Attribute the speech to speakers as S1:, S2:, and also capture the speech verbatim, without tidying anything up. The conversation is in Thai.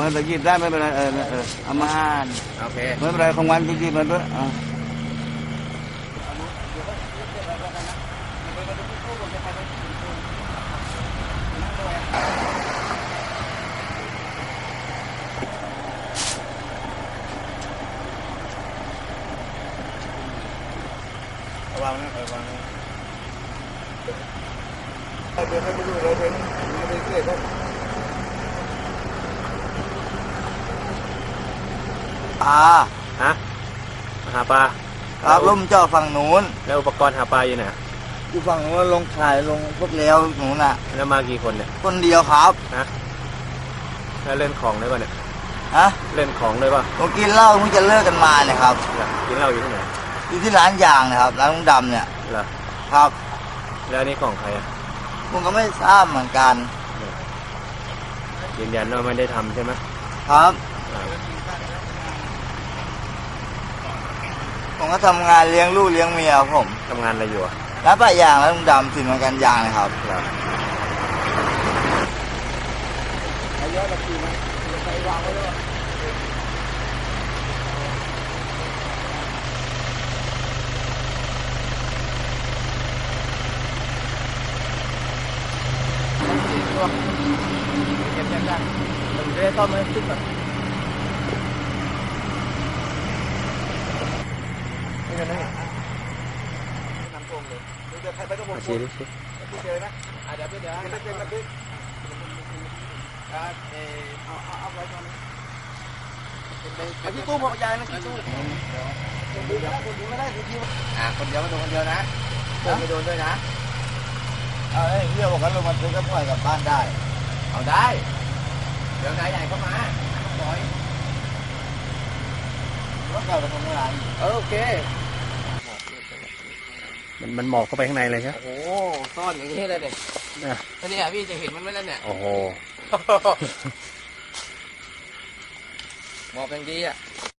S1: มันจะหยิบได้ไม่เป็นไรเออเออเอามาอ่าน
S2: โอเค
S1: ไม่เป็นไรของวันหยิบมันด้วยอ่าระวังนะระวังนะเดี๋ยวให้ไปดูเราเป็นไม่ได้เกลียดครับปลา
S2: ฮะหาปลา
S1: ครับล่มเจ้าฝั่งนู้น
S2: แล้วอุปกรณ์หาปลาอยู่ไหน
S1: อยู่ฝั่งนู้นลงขายลงพวกเลี้ยวนู้นน่ะ
S2: แล้วมากี่คนเนี่ย
S1: คนเดียวครับ
S2: ฮะแล้วเล่นของได้ป่ะเนี่ย
S1: ฮะ
S2: เล่นของได้ป่ะ
S1: ผมกินเหล้าเพิ่งจะเลิกกันมาเนี่ยครับ
S2: กินเหล้าอยู่ที่ไหน
S1: อยู่ที่ร้านยางนะครับร้านลุงดำเนี่ย
S2: เหรอ
S1: ครับ
S2: แล้วนี่ของใครอ่ะ
S1: ผมก็ไม่ทราบเหมือนกัน
S2: ยืนยันว่าไม่ได้ทำใช่ไหม
S1: ครับผมก็ทำงานเลี้ยงลูกเลี้ยงเมียผม
S2: ทำงานอะไรอยู่อ่ะ
S1: ร้านปะยางร้านลุงดำสินเหมือนกันยางนะครับเยอะแบบนี้ไหมใส่วางไว้ด้วย
S2: เก็บแยกได้ผมจะได้ซ่อมให้ขึ้นก่อนนี่กันนี่
S1: น้ำท่วมเลยเดี๋ยวใครไปก็บอก
S2: ชี้ดิชี้
S1: พี่เจอนะเดี๋ยวเดี๋ยวเดี๋ยวเดี๋ยวเดี๋ยวเอาเอาเอาไว้ก่อนไอ้ที่ตู้บอกยายนะที่ตู้คนเดียวคนเดียวไม่ได้คนเดียว
S2: อ่าคนเดียวมาโดนคนเดียวนะเพื่อนไม่โดนด้วยนะ
S1: เออเรื่องบอกกันลงมาซื้อก็ปล่อยกลับบ้านได้
S2: เอาได้เดี๋ยวนายใหญ่เข้ามาปล่อย
S1: รถเก่าไปทำงาน
S2: เออโอเคมันมันหมอกเข้าไปข้างในเลยใช่
S1: โอ้ซ่อนอย่างนี้เลยเนี่ยท่านี่พี่จะเห็นมันไหมล่ะเนี่ย
S2: โอ้โห
S1: หมอกอย่างดีอ่ะ